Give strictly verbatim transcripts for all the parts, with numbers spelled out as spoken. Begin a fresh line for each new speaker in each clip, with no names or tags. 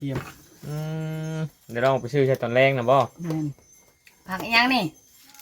เยี่ยม
อืมเดี๋ยวเราไปซื้อใช้ตอนแรกนะบ่
แม่น
ผักอีหยังนี่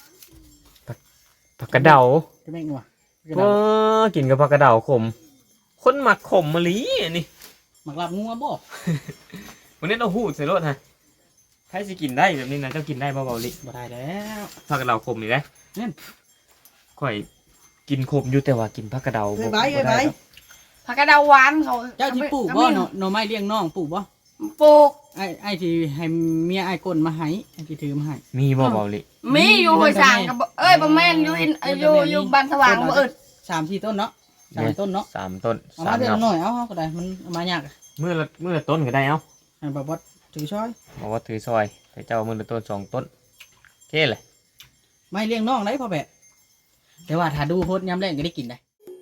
ผักกระเดา
จะแม่งวะกระ
ก็
ดาษ
กินกับผักกระเดาขมคนหมักขมมะลิอันนี้
หมักลาบงัวบ่
วันนี้เราหูดใส่รถฮะใครสิกินได้แบบนี้นะเจ้ากินได้บ่เบาลิ
บ่ได้แล้ว
ผักกระเดาขมนี่ได้
นั่น
ข่อยกินขมอยู่แต่ว่ากินผักกระเดา
เอ้
บ่
ยใบเอ้ย
บ่
ใบ
ได้ครับ
ผักกระเดาหวานเขา
เจ้าที่ปลูกบ่หน่อหน่อไม้เลี้ยงน้องปลูกบ่
ปลูก
ไอ้ไอ้ที่ให้เมียไอ้กลมาให้ไอ้ที่ถือมาให้
มีบ่เบาลิ
มีอยู่ห้วยสางกับเอ้ยบ่แม่นอยู่อินอยู่อยู่บ้านสว่างบ่อึด
สามสี่ต้นเนาะสามต้นเนาะ
สามต้น
เอา
สาม
มาเดือน
เนาะ
หน่อยเอาเอาก็ได้มันเอามายากอะ
มือละมือละต้นก็ได้เอ้า
ให้บ่บ่ถือช้อย
บอกว่าถือซอยแต่เจ้ามือละต้นสองต้นโอเคเลย
ไม่เลี้ยงน้องได้พ่อแบะแต่ว่าถ้าดูโพดยามแรงก็ได้กินได้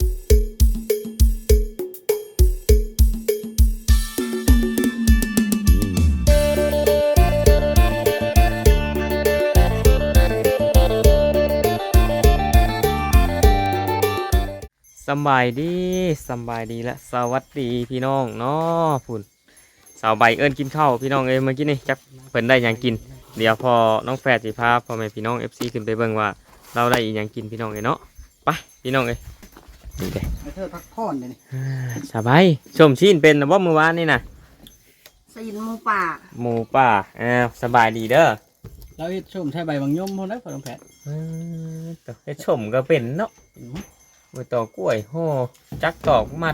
สำบายดีสำบายดีและสวัสดีพี่น้องเนาะพุ่นสาวใบเอิญกินข้าวพี่น้องเอ้ยเมื่อกี้นี่จักเพิ่นได้หยังกินเดี๋ยวพอน้องแฝดสิพาพ่อแม่พี่น้อง เอฟ ซี ขึ้นไปเบิ่งว่าเราได้อีหยังกินพี่น้องเอ้ยเนาะไปพี่น้องเอ้ยนี่เด้
ให้เธอพักผ่อนเดี๋ยวนี้
อ่าสบายชมชีนเป็นนะบ่เมื่อวานนี่นะ
ซีนหมูป่า
หมูป่าอ้าวสบายดีเด้อ
เราเฮ็ดชมใช้ใบบางยมพอได้พอต้องแผด
อืมแต่ให้ชมก็เป็นเนาะมือต่อกล้วยห่อจักตอกมัด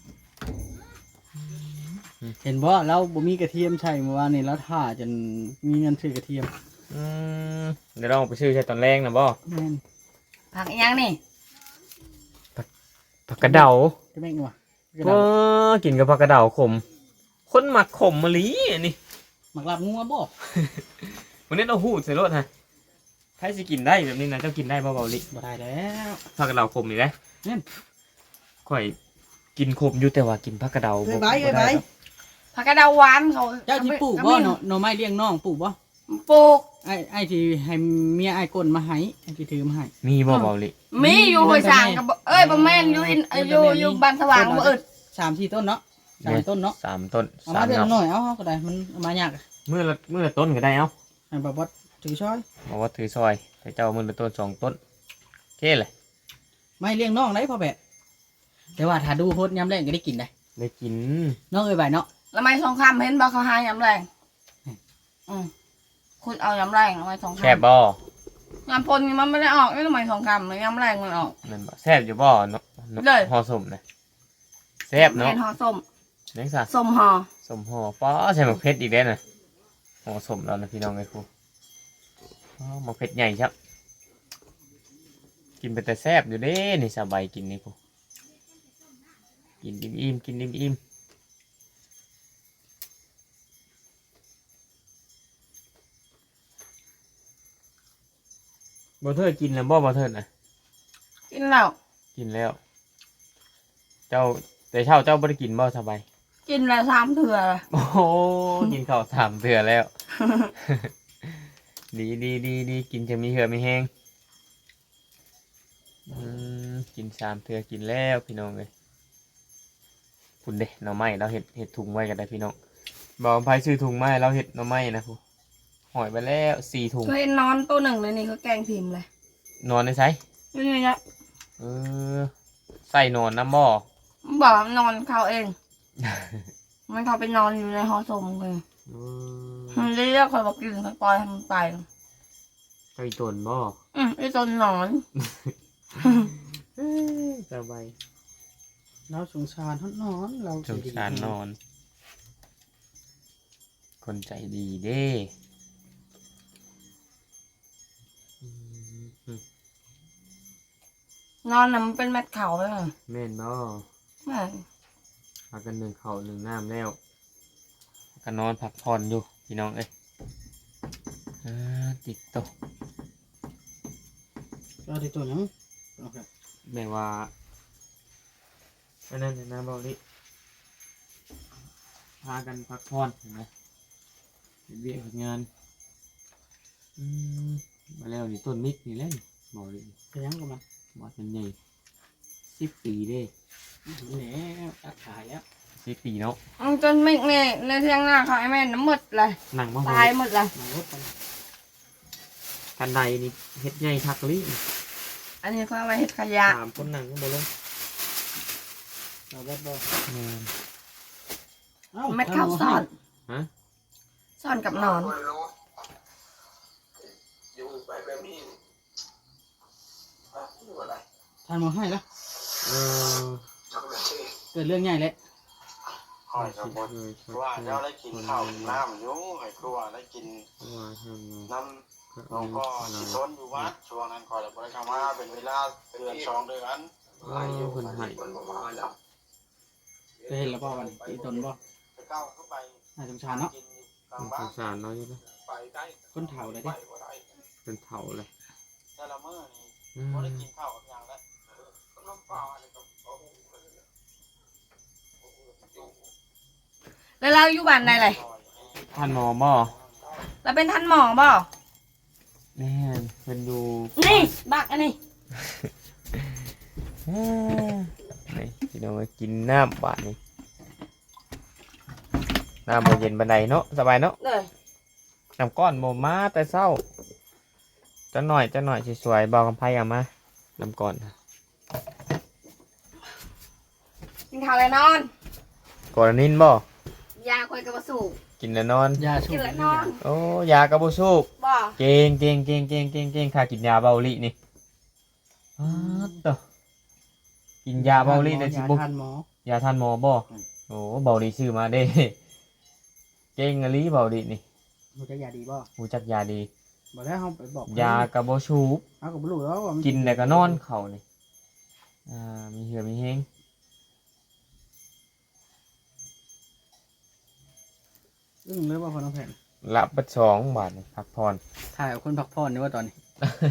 เห็นบ่เราบ่มีกระเทียมใช่เมื่อวานนี้เราถ่าจนมีเงินซื้อกระเทียม
อืมเดี๋ยวเราไปซื้อใช้ตอนแรกนะบ่
แม่น
ผักอีหยังนี่
ผักกระเดา
จะแม่งวะกระ
ก็
ดาษ
กินกับผักกระเดาขมคนหมักขมมะลิอันนี้
หมักลาบงัวบ่
วันนี้เราหูดใส่รถฮะใครสิกินได้แบบนี้นะเจ้ากินได้บ่เบาลิ
บ่ได้แล้ว
ผักกระเดาขมนี่ได้
นั่น
ข่อยกินขมอยู่แต่ว่ากินผักกระเดา
เอ้ย
บ่
ใบเอ้ย
บ่
ใบ
ได้ครับ
ผักกระเดาหวานเขา
เจ้าที่ปลูกบ่หน่อหน่อไม้เลี้ยงน้องปลูกบ่
ปลูก
ไอ้ไอ้ที่ให้เมียไอ้กลมาให้ไอ้ที่ถือมาให้
มีบ่เบาลิ
มีอยู่ห้วยสางกับเอ้ยบ่แม่นอยู่อินอยู่อยู่บ้านสว่างบ่อึด
สามสี่ต้นเนาะสามต้นเนาะ
สามต้น
เอา
สา
มาเดือน
เนาะ
หน่อยเอาเอาก็ได้มันเอามายากอะ
มือละมือละต้นก็ได้เอ้า
ให้บ่บ่ถือช้อย
บอกว่าถือซอยแต่เจ้ามือละต้นสองต้นโอเคเลย
ไม่เลี้ยงน้องได้พ่อแบะแต่ว่าถ้าดูโพดยามแรงก็ได้กินได้
ได้กิน
น้องเอ้ยใบเนาะ
แล้วไม่สองคำเห็นบ่เขาหายำแรงอืมคุณเอายำแรงเอาไว้สองคำ
แซ่บบ่
ยำปนนี่มันไม่ได้ออกไม่ทำไมสองคำเลยยำแรงมันออก
นั่นบ่แซ่บอยู่บ่เนาะเนาะ
เลย
ห่อสมนะแซ่บเนาะ
เป็นห่อส้ม
เลี้ยงซะ
ส้มห่อ
สมห่อป้อใส่หมกเพชรอีกแล้วนะห่อสมแล้วนะพี่น้องไอ้ครูอ๋อหมกเพชรใหญ่ครับกินไปแต่แซ่บอยู่เด้นี่สบายกินนี่ครูกินอิ่มๆกินอิ่มๆบ่เทิดกินแล้วบ่บ่เทิดนะ
กินแล้ว
กินแล้ว เจ้าแต่เช้าเจ้าบ่ได้กินบ่สบาย
กินแล้วสามเถื่อ
โอ้โหกินข้าวสามเถื่อแล้ว ดีดีดีดีกินจะมีเหือมีแห้งอืมกินสามเถื่อกินแล้วพี่น้องเลยคุณเด้หน่อไม้เราเห็ดเห็ดถุงไว้กันได้พี่น้องบอกไผซื้อถุงไม้เราเห็ดหน่อไม้นะพูหอยไปแล้วสี่ถุง
เคยนอนตัวหนึ่งเลยนี่เขาแกงพิมพ์เลย
นอนในไซ
นี่นี่นะ
เออใส่นอนน้ำบ่อ
บอกว่านอนเขาเอง มันเขาไปนอนอยู่ในหอสมเลย
เออ
มันเรียกคอยบอกกินคอยปล่อยให้มันไป
ใส่ตนบ่
อืมไอ้ตนนอน
สบาย
เราสงสารทนอนเรา
สงสารนอน คนใจดีเด้อืม
นอนน่ะมันเป็นแมทเขาเลย
แม่นบ่
แม่
พากันหนึ่งเข่าวหนึ่งน้ำแล้วก็นอนพักผ่อนอยู่พี่น้องเอ้ยอ่าติดโตะ
เราได้ตัวหยังโอเค
แม่ว่าอันนั้นนะบอกนี่พากันพักผ่อนเห็นไหมเฮ็ดเวียกเฮ็ดงานอืมมาแล้วนี่ต้นมิกนี่เล่นบอกเลย
ไปยังกับมัน
บอดมันใหญ่สิบปีเด้
แล้วตัดขายแล้ว
สิบปีเนาะ
เอาจนไม่ในในเที่ยงหน้าเขาไอ้แม่น้ำหมดเลย
หนังบ่
ตายหมดเลย
กันใดนี่เฮ็ดใหญ่คักลิ
อันนี้เขาเอาไว้เห็ดขยะ
สามคนหนังก็บ่ลง
เอาบ่บ่
แม่น
เอ้า
เม็ดข้าวซ่อน
ฮะ
ซ่อนกับหนอน
ท่านมาให้ละ
เออ
เกิดเรื่องใหญ่แล้ว
หอยกับบดว่าเจ้าได้กินข้าวกินน้ำอยู่ให้ครัวได้กิน
ว่าทำไง
น้ำน้องก็ที่ต้นอยู่วัดช่วงนั้นคอยบริกรรมมาเป็นเวลาเดือนสองเดือน
ว่าเพิ่นให้
จะเห็นแล้วบ่วันนี้ตนบ่
ไปก้าวเข้าไป
น่าสงสารเนาะ
กินกลาง
ส
บ้าง น
สารเนาะอยู่นะ
ไปได้
คนเฒ่าเลย
ไป
ดิ
บ่ได้
เป็นเฒ่าเลย
แต่ละมื้อนี่
อืม
บ่ได้กินข้าวกับอย่างแล้วน้ำเปล่าอะไรกับ
แล้วเราอยู่บ้านไหนเลย
ท่านหมอบ่
เราเป็นท่านหมอบ่
แม่นเพิ่นอยู่
นี่บักอันนี้
เอ้อนี่พี่น้องมากินน้ำบาดนี้น้ำบ่เย็นปานใดเนาะสบายเนาะ
เลย
น้ำก้อนบ่มาแต่เช้าจะหน่อยจะหน่อยสวยๆบอกกับไผเอามาน้ำก้อน
กินข้าวเลยนอน
กอนินบ่
ยาคอยกระสูบ
กินแล้วนอน
ยาชู
กินแล้วนอน
โอ้ยากระบ่สูบ
บ่
เก่งเก่งเก่งเก่งเก่งเก่งค่ากินยาเบาหลีนี่อ้าวเด้อกินยาเบาหลีได้สิ
ยา
บ่
ท่านหมอย
าท่านหมอบ่
อืม
โอ้เบาหลีซื้อมาเด้ เก่งอะลีเบาหลีนี่
รู้จักยาดีบ่
รู้จักยาดี
บ่ได้เฮาไปบอก
ยากระบ่สูบ
เฮาก็บ่รู้แล้วว่ามั
กินแล้วก็นอนเข้านี่อ่ามีเหือมีแฮง
อึ้งเลยว่าพอน้องแผ่น
ละบัดสองบาทนี่พักผ่อน
ถ่ายเอาคนพักผ่อนนี่ว่าตอนนี้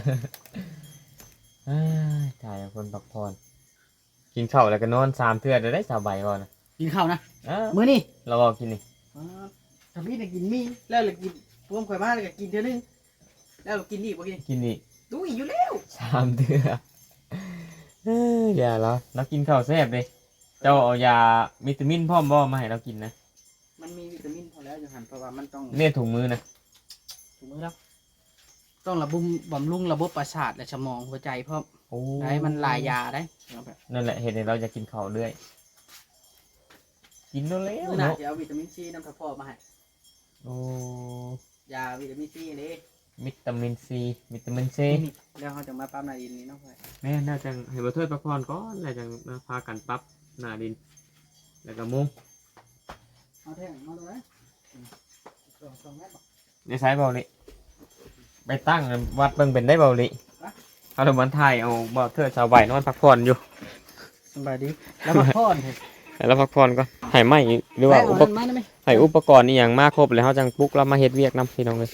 เอ้ยถ่ายเอาคนพักผ่อนกินข้าวแล้วก็นอนสามเทื่อได้ได้สบายบ่นะ
กินข้าวนะ
อ้า
มื้อนี้
เราก็กินนี่
อ่าถ้าพี่น่ะกินมีแล้วเลยกินพวกข่อยมาแล้วก็กินเทื่อนึงแล้วก็กินอีกบ่กิน
กินนี่
ดูอีกอยู่แล้ว
สามเทื่อเอ้ยอย่าแล้วเรากินข้าวแซ่บเลยเจ้าเอายาวิตามินพร้อมบ่มาให้เรากินนะ
มันมีวิตามินพอแล้วอยู่หั่นเพราะว่ามันต้อง
เนี่ยถุงมือนะ
ถูกมื้อแล้วต้องระบุมบำรุงระบบประสาทและสมองหัวใจเพราะ
โอ้
ได้มันหลายยาได้เอาไป
นั่นแหละเหตุให้เราจะกินข้าวเรื่อยกินแล้วแล้ว
มื้อหน้า
เนาะ
จะเอาวิตามินซีน้ำทับพ่อมาให้
โอ้
ยาวิตามินซีนี่
วิตามินซีวิตามินซี
นี่แล้วเขาจะมาปั๊มนาดินนี้เนาะเพื่อน
แม่น่าจะให้บัเทิดพักผ่อนก่อนแล้วจังมาพากันปรับหน้าดิน แล้วก็มุง
เอาแท่งมาดูนะอืมสองสองเมตรบ่
ในสายเบาลิไปตั้งวัดเบิ่งเป็นได้เบาลิเอาละมันถ่ายเอาบัเทิดชาวใบนอนพักผ่อนอยู่
สบายดีแล้วมาพ่อนเถอะ
ให้เราพักผ่อนก่อนให้ไหมหรือว่าอุป
ไปเมันมาได้ไหม
ให้อุปกรณ์นี่อย่างมากครบแล้วเขาจังปลุกเรามาเฮ็ดเวียกนํพี่น้องเลย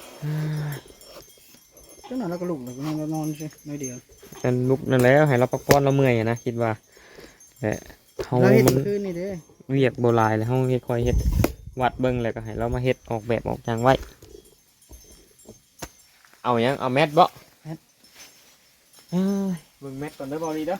จังหวะเราก็ลุกเราก็นอนเรานอนใช่น้อยเดียว
กันลุกนั่นแล้วให้เราพักผ่อนเราเมื่อยอะนะคิดว่าแต่เขา
เราเห็น
มัน
คืนนี่เด้อ
เวียกโบราณแล้วเขาเฮ็ดคอยเฮ็ดวัดเบิ่งแล้วก็ให้เรามาเฮ็ดออกแบบออกจางไว้ เอาหยังเอาแมทบ่เอ้ยเบิ่งแมทก่อนเด้อบ่ดีเด้อ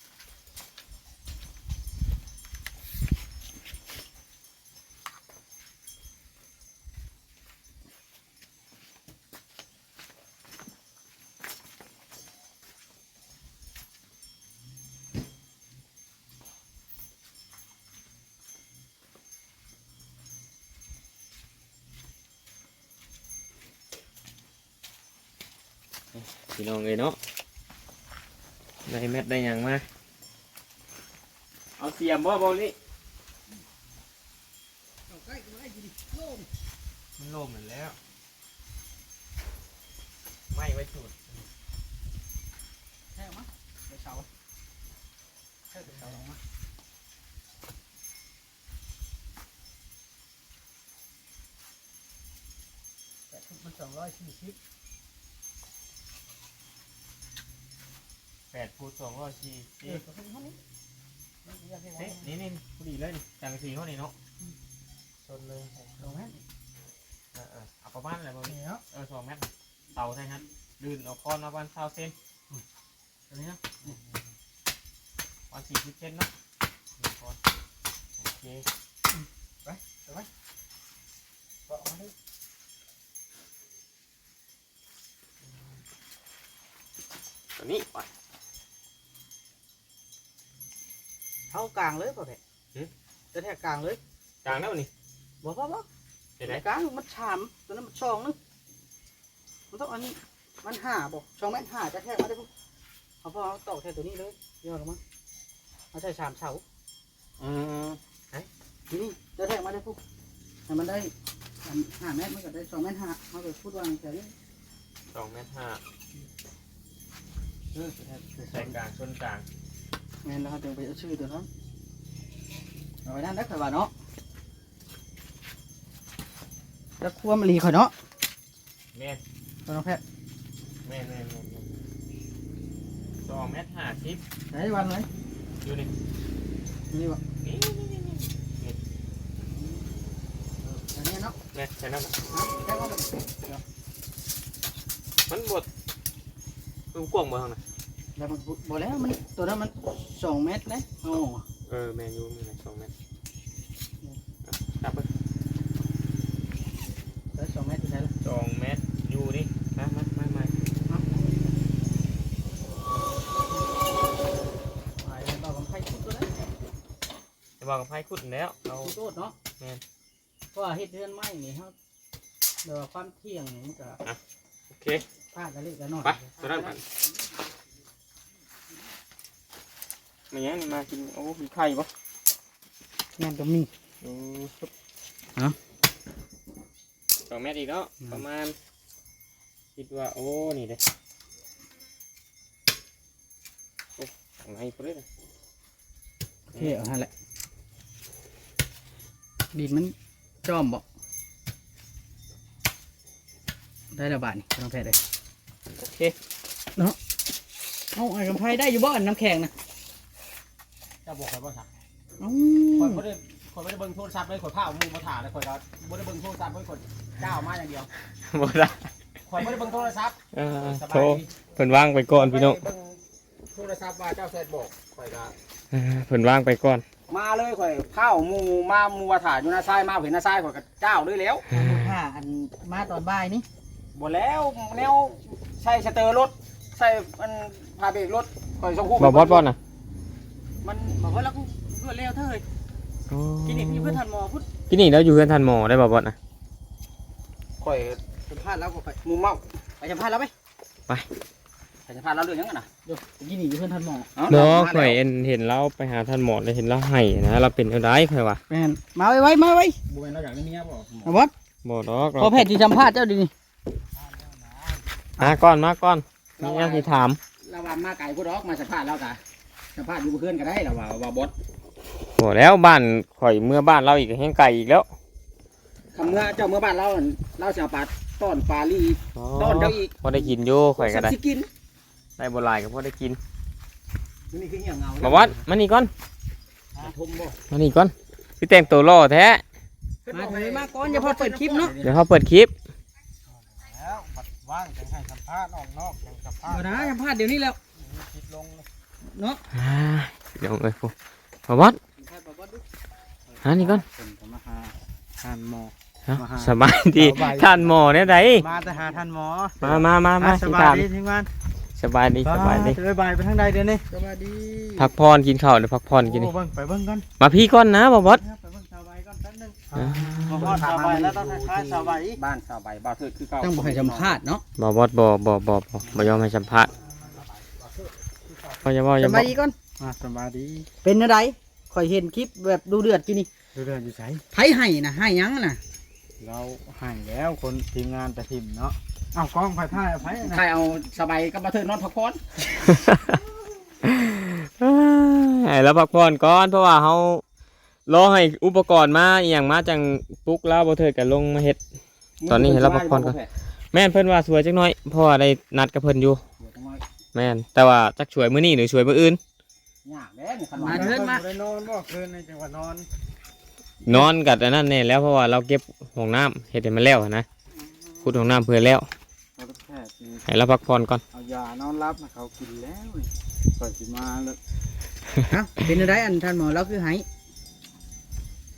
พี่น้องเอ้ยเนาะได้แมทได้หยังมาเอาเสียมบ่บ่นี่มันโล่งเหมือนแล้วไม่ไว้จุด
ใช่ไหมไปเสาใช่ไปเสาลงมาแต่ทุกมันสองร้อยสี่สิบ
แปดคูณสองร้อยสี่
เออก็เป็นเท่านี้ไม่เยอะแค่ไหน
เฮ้ยนี่นี่พอดีเลยนี่จังสีเขานี่เนาะชนเลย
ลงไหม
เออเออเอาประมาณอะไรบ่นี่
นี่เนาะ
เออสองเมตรเตาใช่ครับลื่นเอาคอนมาวันเท่าเส้นตัวนี้เนาะวันสี่สิบเซนเนาะหนึ่งคอนโอเค
ไปไปก็เอาดิ
ตัวนี้ไป
เท้ากลางเลยป่ะแพะจะแทกกลางเลย
กลางแล้วนี่
บอกว่าบอก
เห็นไหม
กลางมันชามตัวนั้นมันช่องนึงมันต้องอันนี้มันห่าบอกช่องแม่นห่าจะแทกมาได้ปุ๊บเอาพอเอาตอกแทกตัวนี้เลยย่อลงมาเอาใส่ชามเสา
อืม
ทีนี้จะแทกมาได้ปุ๊บให้มันได้อันห้าเมตรมันก็ได้สองเมตรห้าเขาไปพูดว่าแต่นี้
สองเมตรห้า
เออจะแทก
ใส่กลางชนกลาง
แม่นแล้วเขาจึงไปเอาชื่อตัวนั้นเอาไว้นั่นได้ข่อยว่าเนาะแล้วครัวมันรีข่อยเนาะ
แม่น
ตัวน้องแพทย์
แม่นแม่นแม่นแม่นสองเมตรห้าสิบ
ได้วันเลย
อยู่นี่
นี่วะ
นี่นี่นี่นี่
อันนี้เนาะ
แม่นใช่นั่นน่ะ
แค่ว่ามัน
มันบดมันกว้างบ่ทางน่ะ
แล้วมันบอกแล้วมันตัวนั้นมันสองเมตรนะโอ้
เออแม่นอยู่นี่แหละสองเมตรอ่ะจับไป
ได้สองเมตรใช่แล้ว
สองเมตรอยู่นี่มามามามา
หายแล้วเราก็ให้ชุดตัวนั้น
จะบอกกับไพ่ขุดแล้วเรา
ชุดโตดเนาะ
แม่น
เพราะว่าเฮ็ดเรือนไม้นี่ครับเดี๋ยวความเที่ยงนี่มันก็
โอเค
พลาดกันเล็กกันน้อย
ไปตัวนั้นกันมาเนี้ยนี่มากินโอ้มีไข่ปะ
งานก็มี
อืม
เอ้า
สองเมตรอีกแล้วประมาณคิดว่าโอ้นี่เด้โอ้ของไหนพุ่นเลย
เที่ยวนั่นแหละดินมันจอมบ่ได้ระบาดนี่น้องแพทย์เลย
โอเค
เอาไอ้กำไพได้อยู่บ่อนน้ำแข็งนะ
จะบอกใครว่าสัก
เอ้า
คนไม่ได้คนไม่ได้เบิ่งโทรศัพท์เลยคนผ้าเอามือมาถ่ายเลยคนก็ไม่ได้เบิ่งโทรศัพท์เลยคนก้าวมาอย่างเดียว
หมดละ
คนไม่ได้เบิ่งโทรศัพท์
เออ
ส
โท
บาร ยดี
เพิ่นว่างไปก่อนพี่น้อง
ไม่ได้เบิ่งโทรศัพท์ว่าเจ้าแซดบอกข่อยก็
เออเพิ่นว่างไปก่อน
มาเลยข่อยข้าวมูมามูว่าถ่ายอยู่หน้าซ้ายมาเห็นหน้าซ้ายข่อยก็ก้าวเลยแล้ว
ผ้าอันมาตอนบ่ายนี่
บ่แล้วแนวใส่สเตอร์รถใส่มันพาเบรกรถข่อยส่งคู่
บ่บอสบอสน่ะ
มัน
บอกว่าแล้วกูรวดเร็วเท่าเลยกินนี่พี่เพื่อนทันหมอพุทธ
พี่นี่แล้วอยู่เพื่อนทันหมอได้บ่บอสน่ะ
ข่อย
สัมภาษณ์แล้วก็ไป
มูเมา
ไปสัมภาษณ์แล้วไหม
ไปจะพาเราเรื่องยังไงนะ
เดี๋ยวกินนี่อยู่เพื่อนทันหมอ
บ่ข่อยเห็นเห็นเราไปหาท่านหมอแล้วเห็นเราให้นะเราเป็นอะไรข่อยว่า
แมนมาไว้ไว้มาไว้
บุญเราอยากได้เมียบ่
เอาบอส
บ่ดอกเรา
พอแพทย์ที่สัมภาษณ์เจ้าดีนี่
มาก่อนมาก่อนมีหยังสิถาม
เราว่ามาไก่ผู้ดอกมาสัมภาษณ์เรากะสัมภาษณ์อยู่เพื่อนก็ได้เราว่าว่าบอส
บ่แล้วบ้านข่อยเมื่อบ้านเราอีกแห้งไก่อีกแล้ว
คำเมื่อเจ้าเมื่อบ้านเราเราจะเอาปลาต้อนปลาลีต้อนเจ้าอีก
พอได้กินอยู่ข่อยก็ได้
สิกิน
ได้บ่หลายก็พอได้กิน
นี่คือเหี้ยเงา
บ่วัดมานี่ก่อน
ทมบ่
มานี่ก่อนพี่แต่งตัวล่อแท้
มาเถอะมาก่อนอย่าพอเปิดคลิปเนาะ
เดี๋ยวเขาเปิดคลิป
แล้วบัดว่างจังให้สัมภาษณ์ออกนอกจังสัมภาษ
เอา
ณ์
นะสัมภาษณ์เดี๋ยวนี้แล้ว
คิดลง
เนาะ
อ่าเดี๋ยวเอ้ยพวกบ่วัดหานี่ก่อน
ผมมาหาท่านหมอ
เอ้า
มาหา
สบายดี
สบาย
ท่านหมอเนี่ยได
มาแต่หาท่านหมอ
มามามามา
ส
สิ
บา
ถาย ม
ดีทีมงาน
สบายดีสบายดี
สบายไปทางใดเดี๋ยวนี้สบายดี
พักผ่อนกินข้าวเดี๋ยวพักผ่อนกินนี่
โอ้เบิ่งไปเบิ่งกัน
มาพี่ก่อนนะบ่วัด
ไปเบิ่งสบายก่อนแป๊บนึง
อ่า
มาฮอดสบายแล้วต้องทักทายสบาย
บ้านสาวใบบ้านเถิดคือเก่า
ต้องบอกให้สัมภาษณ์เนาะ
บ่วัดบ่บ่บ่บ่บ่ยอมให้สัมภาษณ์บ่อย่าบ่อ
ส
ย่า
บา
บ่
ยดีก่อน
อ่าสบายดี
เป็นอะไรข่อยเห็นคลิปแบบดูเดือดกินนี่
ดูเรื่องอยู่ไส
ไผให้นะให้หยังน่ะ
เราห่างแล้วคนทีมงานแต่ทีมเนาะเอากล้องไฟถ่ายเอาไฟนะ
ใครเอาสบายกับบ้านเถิดนอนพักผ่อน
ให้เราพักผ่อนก่อนเพราะว่าเฮารอให้อุปกรณ์มาอหย่างมาจังปลุกแล้วบ่เถิดก็ลงมาเฮ็ด ตอนนี้ให้เราพักผ่อนก่อน แม่นเพิ่นว่าสวยจักหน่อยเพราะว่าได้นัดกับเพิ่นอยู่แม่นแต่ว่าจักช่วยมื้อนี้หรือช่วยมื้ออื่น
ยากเด้นี่คัน
มา
ว่า
เถิดมา
ได้นอนบ่คืนในจังหวัดนอน
นอนกับอันนั้นแน่แล้วเพราะว่าเราเก็บห้องน้ำเฮ็ดให้มันแล้วนะขุดห้องน้ำเพื่อแล้ว
เราแพทย์นี่
ให้เราพักผ่อนก่อน
เอายานอนรับนะเขากินแล้วนี่ก่อนสิมาแล้ว
เอ้าเป็นอะไรอันท่านหมอเราคือให้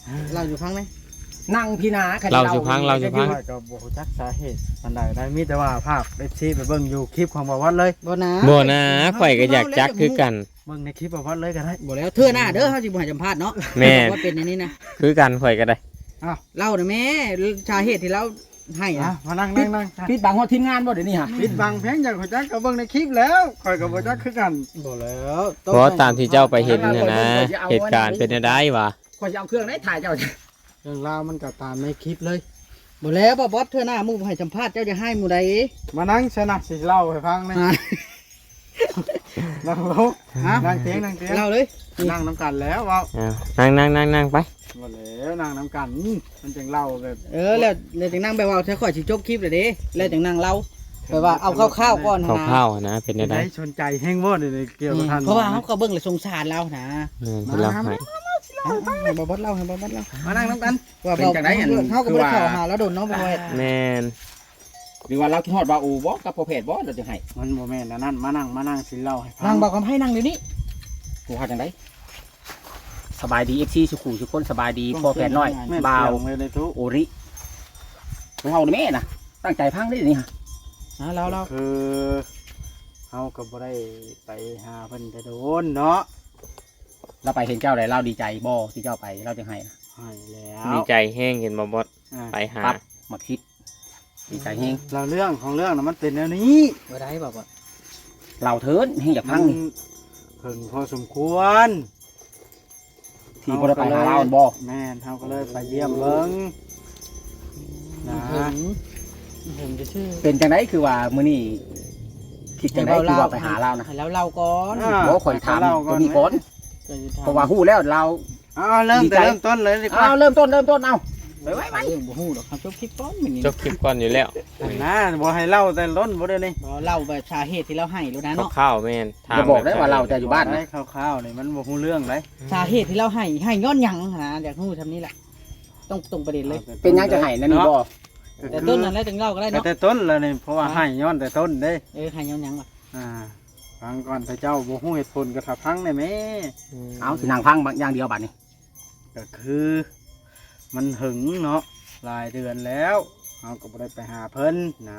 เราอยู่ฟังไหม
นั่งพี่นาใคร
เราสิพังเราสิพัง
ข้อยก็บ่รู้จักสาเหตุอันใดได้มีแต่ว่าภาพ เอฟ ซี ไปเบิ่งอยู่คลิปของบ่วัดเลย
บ่นะ
บ่นะข่อยก็อยากจักคือกัน
เบิ่งในคลิปบ่วัดเลยก็ได้
บ่แล้วเทื่อหน้าเด้อเฮาสิบ่ให้สัมภาษณ์เนาะ
แม่
ว่าเป็นอย่างนี้นะ
คือกันข่อยก็ได้
เล่าน่ะแม่สาเหตุที่เราให้
อ่ะ
นะ
มานั่งนั่งนั่ง
ปิดบังว่าทีมงานบ่เดี๋ยวนี้ฮะ
ปิดบังเพียงอย่างรู้จักก็เบิ่งในคลิปแล้วข่อยก็บ่จักคือกัน
บ่แล้ว
เพราะตามที่เจ้าไปเห็นน่ะนะเหตุการณ์เป็นจังได๋วะ
คอยจะเอาเครื่องไหนถ่ายเจ้า
เรื่องราวมันก็ตามในคลิปเลย
บ่แล้วบ่บอสเทื่อหน้าหมู่บ่ให้สัมภาษณ์เจ้าจะให้หมู่ใด
มานั่งชนะสิเล่าให้ฟังนะ
อ่า
นั่งลง
ฮะ
นั่งเตียงนั่งเตียง
เล่าเลย
นั่งน้ำกันแล้วเว่า
อ้าวนั่งนั่งนั่งนั่งไป
หมดแล้วนั่งน้ำกันมันจึงเล่าแบบ
เออแล้วแล้วจังนั่งไปเว่าถ้าข่อยสิจบคลิปเลยเด้แล้วจังนั่งเล่าไปว่าเอาคร่าวๆก่อนนะ
ข้าวๆนะเป็นจังได๋
ได้ชนใจแห้งวอดเลยเกี่ยวกับท่าน
เพราะว่าเขาก็เบิ่งเลยสงสารเรานะ
เออเป็นเราให้
เอาเอาให้บ่บอสเล่าให้บ่บอสเล่า
มานั่งน้ำกัน
ว่าเบาเขาก็บ่ได้เข้าหาแล้วโดนเนาะบ่ว่า
แม่น
หรือว่าเราคิดฮอดว่าอูบ่กับพอเพจบ่เราจะให้
มันโมแม่นอันนั่นมานั่งมานั่งสิเล่าให้ฟั
นั่งบอกคำให้นั่งเดี๋ยวนี้
กูหาจังไดสบายดี เอฟ ซี สุขุทุกคนสบายดีพ่อแพทย์น้อย
แม่น
บ่าว
เสียงเลยเลยทุก
โอริของเฮานี่แม่น่ะตั้งใจพังได้นี่ฮะ
นะเราเรา
คือเฮาก็บ่ได้ไปหาเพิ่นแต่โดนเนาะ
เราไปเห็นเจ้าได้เราดีใจบ่ที่เจ้าไปเราจะให้นะ
ให้แล้ว
ดีใจแห้งเห็นบ่บอส
อ่า
ไปหา
ปั๊บมาคิดดีใจเฮง
เราเรื่องของเรื่องน่ะมันเป็นแนวนี้
บ่ได้บอกว่า
เราเถินเฮงอยากพังนี่
เพิ่งพอสมควร
ที่บ่ได้ไปหาเราบ่
แม่นเฮาก็เลยไปเยี่ยมเบิ่งนะ
เห็นเห็นจะชื่อ
เป็นจังไดคือว่ามื้อนี้คิดจังไดคือว่าไปหาเรานะ
ให้เราเล่าก่อน
บ่ข่อยถาม
เล่
ตัวนี้ก่อน
จะถม
เพราะว่าฮู้แล้วเรา
เอาเริ่ม
ดี
แต่
ใจ
เริ่มต้นเลยดีกว่า
เอาเริ่มต้นเริ่มต้นเอาไปไว้ไว้
เรื่องบ่ฮู้ดอกครับจบคลิปก่อนมื้อนี้
จบคลิปก่อนอยู่แล้ว
นะบ่ให้เล่าแต่ล้นบ่ได้นี่
บ่เล่าแบบสาเหตุที่เราให้แล้วนะเนาะ
ข้าวๆแม่นถาม
อย่าบอกได้ว่าเราจะอยู่บ้าน
ได้
นะ
คร่าวๆนี่มันบ่ฮู้เรื่องเลย
สาเหตุที่เราให้ให้ย้อนหยังนะอยากฮู้ทำนี้แหละต้องตรงประเด็นเลย
เป็นยังจะให้นั่นนี่บ่
แต่ต้นนั้นแล้วถึงเล่าก็ได้
แต่
เนาะ
แต่ต้นแล้วนี่เพราะว่าให้ย้อนแต่ต้นเด้
เออให้ย้อนหยังว่ะ
อ่าฟังก่อนพระเจ้าบ่ฮู้เหตุผลก็ถ้าพังได้แม่
เอาสินางพังบางอย่างเดียวบัดนี้
ก็คือ มันหึงเนาะหลายเดือนแล้วเฮาก็บ่ได้ไปหาเพิ่นนะ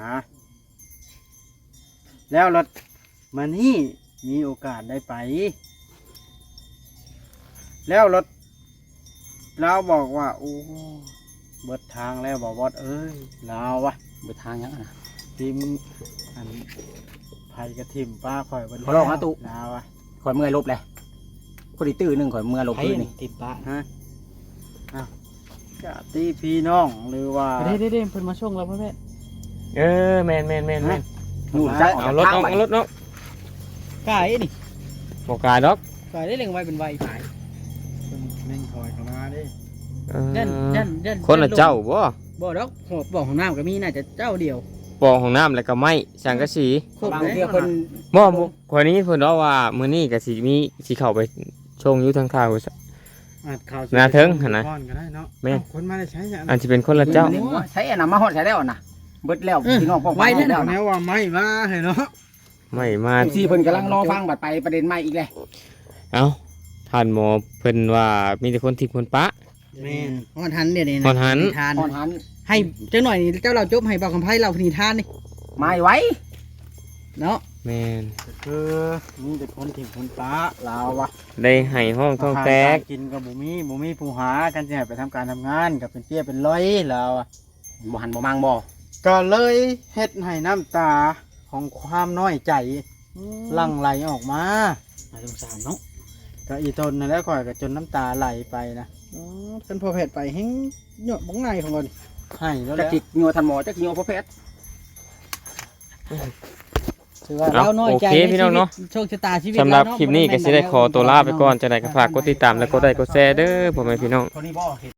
แล้วรถมานี่มีโอกาสได้ไป แล้วรถเราบอกว่าโอ้เบิดทางแล้วบ่บอดเอ้ยลาววะ
เบิดทางยังอะนะ
ทีมอันไผกระทิมป้าข่อยเบิด
ขอร้องนะตุ๊
ลาววะ
ข่อยเมื่อยลบเลยพอดีตื้อหนึงข่อยเมื่อยลบ
ไผ
พื้นนี่
ติดปะ
ฮะอ้าวญาติพี่น้องหรือว่า
เด้เด้เด้เพิ่นมาส่งเราพ่อแม่
เออแม่นแม่นแม่นแม่น
นู่นจักออก
เอา
จาก
รถ
ทาง
เนาะ
ไป
เอารถเนาะ
กายนี่
บ่กล้าดอก
กายได้เลี้ยงไว้เป็นไวขาย
เพิ่นเล่นคอยเข้ามาดิ
เออ
ยันยันยัน
คนละเจ้าบ่
บ่ดอกหอบบ่ของน้ำก็มีน่าจะเจ้าเดียว
ปองของน้ำแล้วก็ไม้สังกะสี
ครบบ
าง
เลย
เที่ยวเพิ่น
บ่บ่คนนี้เพิ่นบอกว่ามื้อนี้ก็สิมีสิเข้าไปชงอยู่ทางทาง
อาจข่าว
หน้าเทิงหั่นนะ
ก่อนก็ได้เนาะ
แม่น
เอ้าคนมาได้ใช้อย่าง
อันสิเป็นคนละเจ้า
ใช้อันน่ะมาฮอดใช้แล้วน่ะเบิดแล้วพี่น้องป้องไปแล้ว
แน
นะ
วว่าไม่มาให้เนาะ
ไม่มา
ซีเพิ่นกำลังรอฟังบัดไปประเด็นใหม่อีกเลย
เอ้าท่านหมอเพิ่นว่ามีแต่คนทิพย์คนปะ
แม่น
ฮอนหันเนี่ยนี่
ฮอนหัน
ทาน
ฮอนหัน
ให้เจ้าหน่อยนี่เจ้าเราจบให้บอกคำไพ่เราพนิทานนี่
ไม่ไว้
เนาะ
แม่น
ก็คือมีแต่คนถิ่มคนป้าลาววะ
ได้ให้ห้องท้องแตก
าหารารกินกับบุมีบุมีผู้หากันจะให้ไปทำการทำงานกับเป็นเปี้ยเป็นร้อยแล้วอะ
บ่หันบ่มังบ่
ก็เลยเฮ็ดให้น้ำตาของความน้อยใจหลั่งไหลออกมา
น่าสงสารเนาะ
ก็อีตนนั่นแหล้วก่อยก็จนน้ำตาไหลไปนะ
อ๋อเป็นพอแผดไปแห้งเหยาะบังไงของมัน
ให้แล้วแห
จัก
ละ
จิกงัวทันหมอจักจิกงัวพ่อแพทย์
ถือว่าเราน้อยใจ
โอเคพี่น้องเนาะ
โชคชะตาชีวิต
สำหรับ
เาเาะ
คลิปนี้ก็สิได้ขอตัวลาไปก่อนจะได้ก็ฝากกดติดตามและกดไลค์กดแชร์เด้อพ่อแม่พี่น้อง
คนนี้บ่เห็น